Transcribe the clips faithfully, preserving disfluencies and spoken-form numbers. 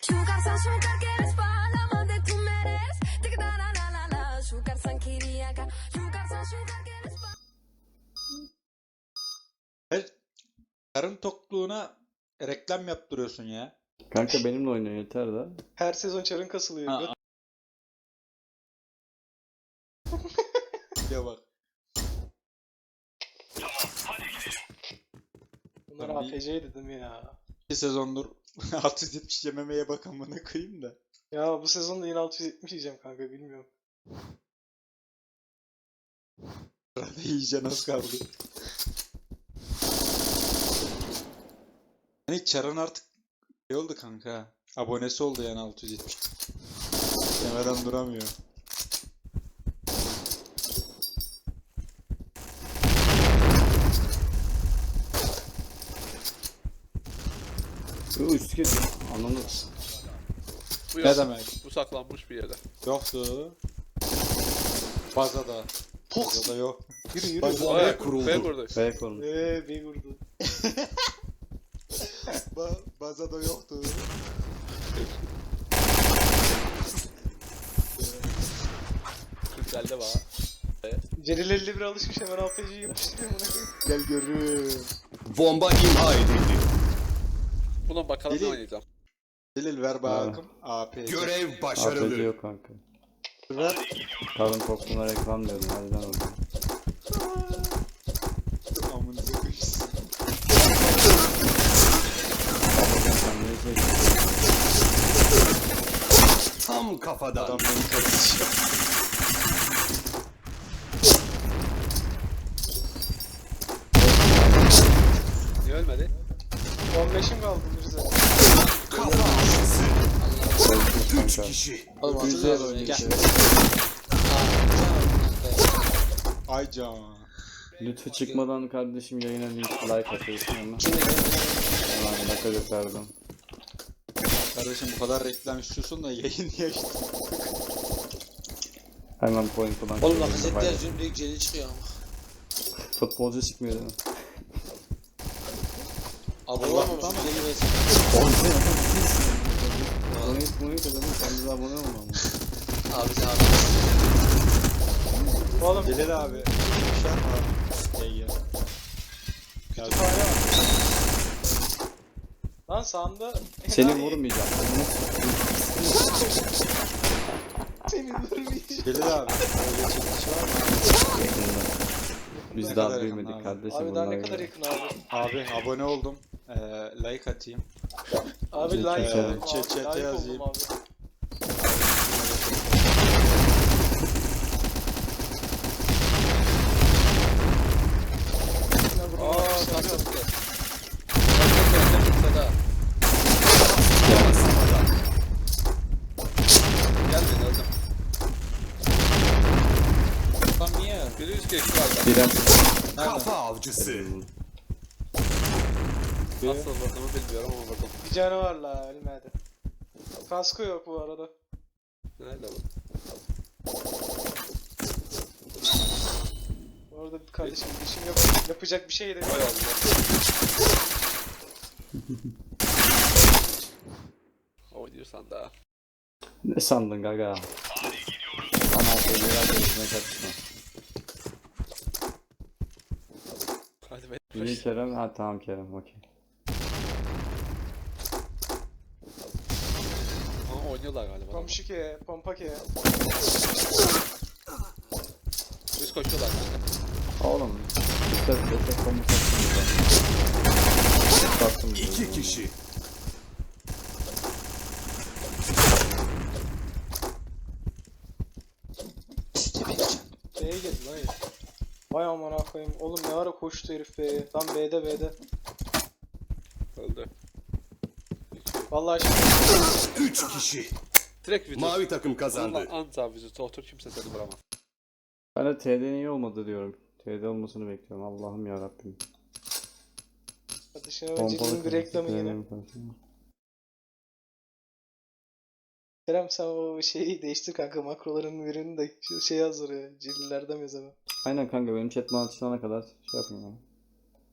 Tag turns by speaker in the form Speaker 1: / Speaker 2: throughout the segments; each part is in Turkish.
Speaker 1: Şukarsan şukar quieres palama de tu meres. Tık da la la la la. Şukarsan kiriyaka. Şukarsan şukar quieres
Speaker 2: Her karın tokluğuna reklam yaptırıyorsun ya.
Speaker 3: Kanka benimle oynuyor yeter de.
Speaker 4: Her sezon çarın kasılıyor.
Speaker 2: Ha, ya bak.
Speaker 4: Bunlar
Speaker 2: Tabii.
Speaker 4: A P C dedim ya.
Speaker 2: Bir sezondur altı yüz yetmiş yememeye bak amına koyayım da.
Speaker 4: Ya bu sezon da yine altı yüz yetmiş yiyeceğim kanka bilmiyorum.
Speaker 2: Arada yiyeceksin az kaldı. Hani Çarın artık şey oldu kanka. Abonesi oldu yani altı yüz yetmiş. Yemeden duramıyor.
Speaker 3: Uuu üstü geliyor. Anladım.
Speaker 5: Bu
Speaker 2: Ne
Speaker 5: yok.
Speaker 2: demek?
Speaker 5: Bu saklanmış bir yere.
Speaker 2: Yoktu. Bazada. Bazada yok.
Speaker 4: Yürü yürü.
Speaker 2: Bazada
Speaker 5: Aya
Speaker 2: yok.
Speaker 5: kuruldu. B kurdu.
Speaker 3: B kornu.
Speaker 4: Eee bir vurdu.
Speaker 2: Ba bazada yoktu.
Speaker 5: Kırkelde var.
Speaker 4: Celil elli bir alışmış hemen A P C'yi yapıştırıyor buna.
Speaker 2: Gel görün.
Speaker 6: Bomba imha edildi.
Speaker 5: Buna bakalım ne
Speaker 2: Deli.
Speaker 5: oynayacağım.
Speaker 2: Delil ver bakım. A P.
Speaker 6: Görev
Speaker 3: A P C
Speaker 6: başarılı.
Speaker 3: yok kanka.
Speaker 2: Ver.
Speaker 3: Karın tokluğuna reklam diyordum. Hadi lan oğlum.
Speaker 2: Amınıza koyayım.
Speaker 3: Babacan sen ne izleyeceksin?
Speaker 6: Tam kafadan.
Speaker 2: Adam beni karıştırıyor.
Speaker 5: Niye ölmedi?
Speaker 4: on beşim kaldı Mirza.
Speaker 6: Kafa avcısı.
Speaker 3: Öldük
Speaker 6: Üç
Speaker 3: kanka.
Speaker 6: kişi.
Speaker 7: Oğlum
Speaker 3: Güzel
Speaker 7: hatırlıyorum
Speaker 3: oynuyor.
Speaker 7: gel.
Speaker 3: işte.
Speaker 2: Ay can.
Speaker 3: Lütfü çıkmadan kardeşim yayına link like atıyorsun ama.
Speaker 7: Şimdi
Speaker 3: Hemen ne kadar verdim.
Speaker 2: Kardeşim bu kadar reklam istiyorsun da yayın niye açtın?
Speaker 3: Hemen point falan.
Speaker 7: oğlum
Speaker 3: koyuyorum,
Speaker 7: Lacazette
Speaker 3: paylaş.
Speaker 7: yazıyorum direkt Celil çıkıyor ama.
Speaker 3: Futbolcu çıkmıyor değil mi?
Speaker 7: Abone
Speaker 2: Allah'tan
Speaker 7: olmamış
Speaker 2: mı?
Speaker 7: Celil versin.
Speaker 3: Abone et, abone et adamım. Sen bize abone olma ama.
Speaker 7: Abi sen abi.
Speaker 4: Oğlum
Speaker 2: Delil abi. Şar mı abi? Gel gel.
Speaker 4: kütüphane var. Lan sağında
Speaker 3: Seni
Speaker 4: enayi.
Speaker 3: vurmayacağım.
Speaker 4: Seni vurmayacağım.
Speaker 2: Delil abi. Öyle çekiş var mı?
Speaker 3: Biz
Speaker 2: Ne
Speaker 3: daha
Speaker 2: kadar
Speaker 3: büyümedik
Speaker 2: yakın abi?
Speaker 3: kardeşim.
Speaker 4: Abi daha ne
Speaker 3: bunlar
Speaker 4: kadar
Speaker 3: gibi.
Speaker 4: yakın abi.
Speaker 2: Abi abone oldum. Ee, like atayım.
Speaker 4: Abi
Speaker 3: Chat-
Speaker 4: like
Speaker 3: chat-
Speaker 4: oldum abi.
Speaker 2: chat- chat'e
Speaker 4: Like
Speaker 2: yazayım.
Speaker 4: oldum abi.
Speaker 5: Aaa kalktı. Gerçekten Seda. Gel beni öldüm.
Speaker 2: Lan niye?
Speaker 5: Biri üst geçti galiba.
Speaker 3: Biren.
Speaker 6: Kafa avcısı.
Speaker 5: Nasıl vurduğumu bilmiyorum ama vurdum.
Speaker 4: Bir canavar la ölmedi. Kaskı yok bu arada.
Speaker 5: Nerede bu?
Speaker 4: Orada bir kardeşim işim yap yapacak bir şey de yok.
Speaker 5: Vay Allah. Oynuyorsan daha.
Speaker 3: Ne sandın gaga? Ama şeyler görüşüne kaçma.
Speaker 5: Hadi be.
Speaker 3: Biri Kerem. Ha tamam Kerem okey.
Speaker 5: Ama oynuyorlar galiba.
Speaker 4: Komşu ke, pompa ke.
Speaker 5: Üst koşuyorlar kanka.
Speaker 3: Oğlum. İşte destek komutu attım burada. Attım burada.
Speaker 6: İki kişi.
Speaker 4: B'ye geldi lan herif. Vay aman koyayım. Oğlum ne ara koştu herif B'ye. Lan B'de B'de.
Speaker 5: Öldü.
Speaker 4: Vallahi şimdi
Speaker 6: Üç kişi.
Speaker 5: Direkt vücut.
Speaker 6: Mavi takım kazandı.
Speaker 5: Kazandı. Anza vücutu otur kimse seni vuramaz.
Speaker 3: Ben de T D'nin iyi olmadı diyorum. T D olmasını bekliyorum. Allah'ım yarabbim.
Speaker 4: kardeşine Celil'in bir reklamı yine. Kerem sen o şeyi değiştir kanka makroların birini de şu şey hazır ya. Celillerden yazalım.
Speaker 3: Aynen kanka benim chat bana açılana kadar şey yapayım yani.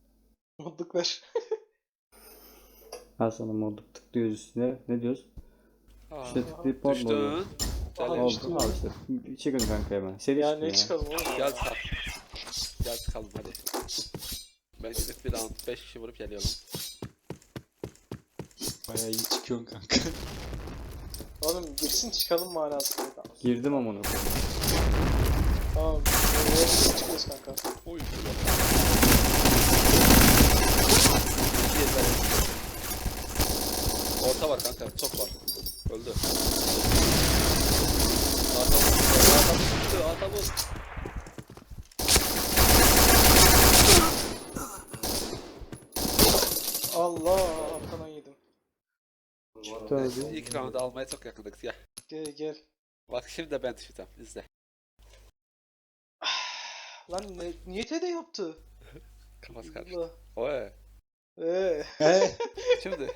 Speaker 4: Modluk ver.
Speaker 3: Ben sana modluk tıklıyoruz üstüne. Ne diyoruz?
Speaker 5: Aa,
Speaker 3: İşte tıklayıp mod mu oluyor?
Speaker 5: düştün.
Speaker 4: Aha,
Speaker 5: Gel,
Speaker 4: düştüm.
Speaker 3: Oldu al işte. Bir çıkın kanka hemen. Seri
Speaker 4: Ya
Speaker 3: çıkın
Speaker 4: ne
Speaker 3: ya.
Speaker 4: çıkalım oğlum?
Speaker 5: gel çıkalım. Gel çıkalım hadi. Ben gidip bir round beş kişi vurup geliyorum.
Speaker 2: Bayağı iyi çıkıyorsun kanka.
Speaker 4: Oğlum girsin çıkalım manasında. Tamam.
Speaker 3: Girdim amına koyayım.
Speaker 4: Tamam. Nereye çıkıyoruz kanka?
Speaker 5: Oy. Orta var kanka, çok var. Öldü. Arta vur, arta vur, arta vur.
Speaker 4: Allah arkadan yedim.
Speaker 3: Çıktı abi.
Speaker 5: İlk round'u almaya çok yakındık ya.
Speaker 4: Gel gel.
Speaker 5: Bak şimdi de ben düşeceğim, izle.
Speaker 4: Lan ne, niyete de yaptı.
Speaker 5: Kafası karıştı.
Speaker 4: Allah.
Speaker 5: Oy.
Speaker 4: Eee.
Speaker 2: He.
Speaker 5: Şimdi.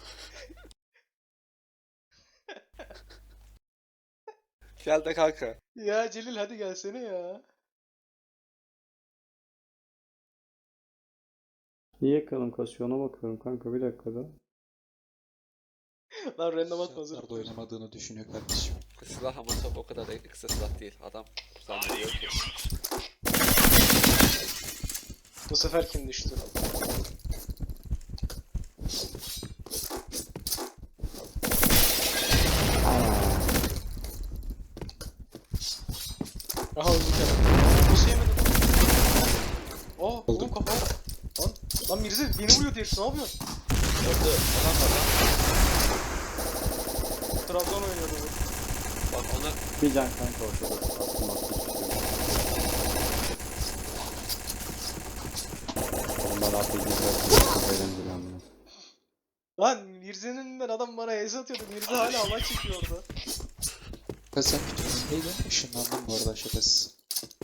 Speaker 5: Gel de kanka.
Speaker 4: Ya Celil hadi gelsene ya.
Speaker 3: Niye kalın kasıyor ona bakıyorum kanka bir dakikada.
Speaker 4: Lan random atma hazır.
Speaker 2: Şartlarda oynamadığını düşünüyor kardeşim.
Speaker 5: Silah ama çok o kadar da kısa silah değil. Adam zannediyor ki.
Speaker 4: Bu sefer kim düştü? Aha öldü bir kere. Nasıl yemedim? Oh oğlum kafa. Lan, lan Mirze beni vuruyor diye ne yapıyorsun?
Speaker 5: Öldü. Adam var lan.
Speaker 4: Trabzon oynuyordu bu.
Speaker 5: Bak ona
Speaker 3: Bir can kanka ortada. Attım attım. Ondan artık güzel. Çok eğlenceli anlar.
Speaker 4: Lan Mirze'nin önünden adam bana ace atıyordu. Mirze hala hava çekiyor orada.
Speaker 2: Ben sen bütün neydi? Işınlandım bu arada şakasız.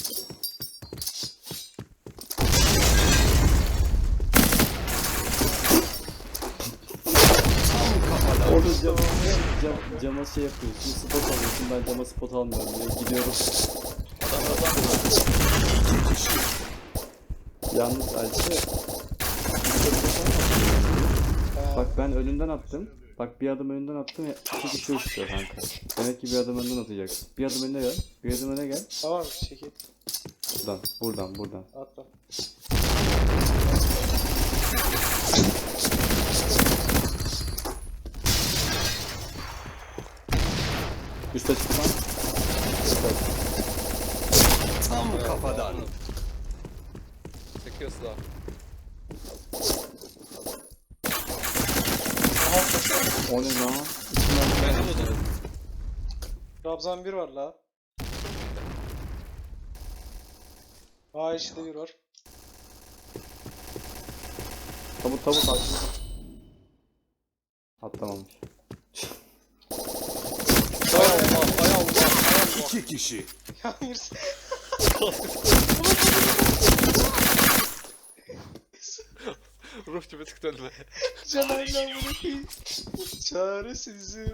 Speaker 3: Orada cam, cam, cama şey yapıyorsun, spot alıyorsun, ben cama spot almıyorum diye gidiyorum. Yalnız Alçı, bak ben önünden attım, bak bir adım önünden attım, iki kişi uçuyor kanka. Demek ki bir adım önden atacaksın. Bir adım önüne gel, bir adım öne gel.
Speaker 4: Tamam çekil.
Speaker 3: Buradan, buradan, buradan.
Speaker 4: Atla.
Speaker 3: Üste çıkma.
Speaker 6: Tam kafadan.
Speaker 5: çekiyor silah.
Speaker 3: O ne lan?
Speaker 5: Ben de vurdum.
Speaker 4: Trabzon bir var la. Aa işte bir var.
Speaker 3: Tabut tabut at. Atlamamış.
Speaker 5: Hay Allah, hay Allah, hay Allah.
Speaker 6: İki kişi.
Speaker 4: Ya Mirze.
Speaker 5: Ruh gibi tıktı önüme.
Speaker 4: Canayla bırakayım. Çaresizim.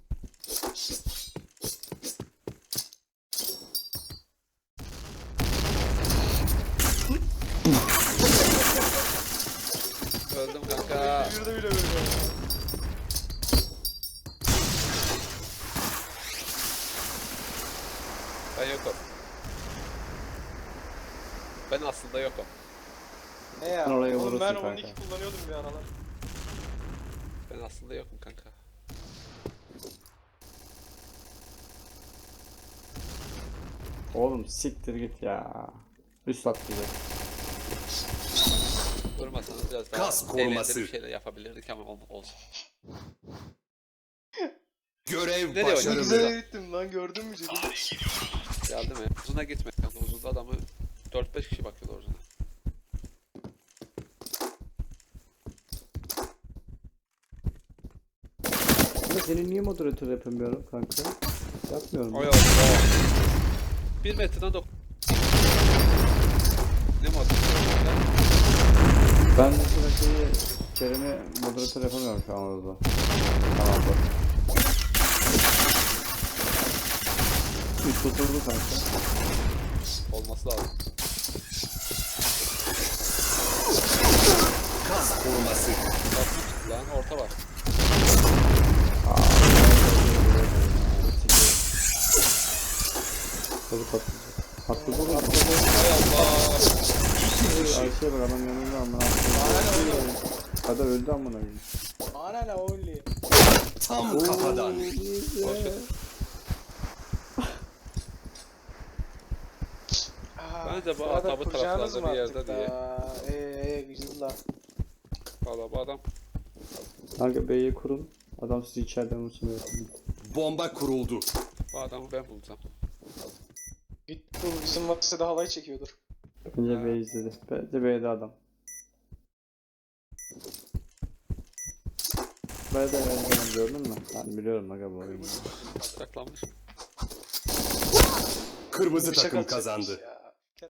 Speaker 5: Öldüm kanka.
Speaker 4: Bir de bile böyle.
Speaker 5: Ben yokum. Ben aslında yokum.
Speaker 4: Ne ya?
Speaker 3: Sen oraya
Speaker 4: Oğlum
Speaker 3: vurursun
Speaker 4: ben
Speaker 3: kanka.
Speaker 4: on iki kullanıyordum bir aralar.
Speaker 5: Ben aslında yokum kanka.
Speaker 3: Oğlum siktir git ya. Üst atlayacak.
Speaker 5: Vurmasanız biraz daha
Speaker 6: Kas koruması.
Speaker 5: eğlenceli bir şeyler yapabilirdik ama ol- olsun.
Speaker 6: Görev
Speaker 5: Nereye
Speaker 4: Ne
Speaker 6: başarılı.
Speaker 4: güzel gittim lan gördün mü Celil?
Speaker 5: Geldi mi? Uzuna gitme kanka. Uzunda adamı dört beş kişi bakıyordu uzuna.
Speaker 3: Ama senin niye moderatör yapamıyorum kanka? Yapmıyorum.
Speaker 5: Oy Allah. Bir metreden dok... Ne mod?
Speaker 3: Ben mesela şeyi Kerem'i moderatör yapamıyorum şu an orada. Tamam bak. Üst oturdu kanka.
Speaker 5: Olması lazım.
Speaker 6: Kas koruması.
Speaker 5: Basın çıktı lan orta var.
Speaker 3: Aa, Tabii patlayacak. Patladı oğlum.
Speaker 7: Hay Allah.
Speaker 3: Ayşe'ye bak adam yanında ama. Adam öldü amına koyayım.
Speaker 4: Ana la olli.
Speaker 6: Tam kafadan.
Speaker 5: Bence bu
Speaker 4: arada
Speaker 5: adamı
Speaker 4: kuracağınız
Speaker 5: taraflarda
Speaker 4: mı
Speaker 5: bir yerde
Speaker 4: artık
Speaker 5: diye.
Speaker 4: da? Eee güzel la.
Speaker 5: Valla bu adam
Speaker 3: Kanka B'yi kurun. Adam sizi içeriden vursun.
Speaker 6: Bomba kuruldu.
Speaker 5: bu adamı ben bulacağım.
Speaker 4: Git bu bizim Max'e de halay çekiyordur.
Speaker 3: Bence B izledi. Bence B'de adam. B'de ben gördün mü? Ben biliyorum aga bu oyunu.
Speaker 5: Saklanmış.
Speaker 6: Kırmızı
Speaker 4: Bıçak
Speaker 6: takım
Speaker 4: atacakmış
Speaker 6: kazandı.
Speaker 4: ya.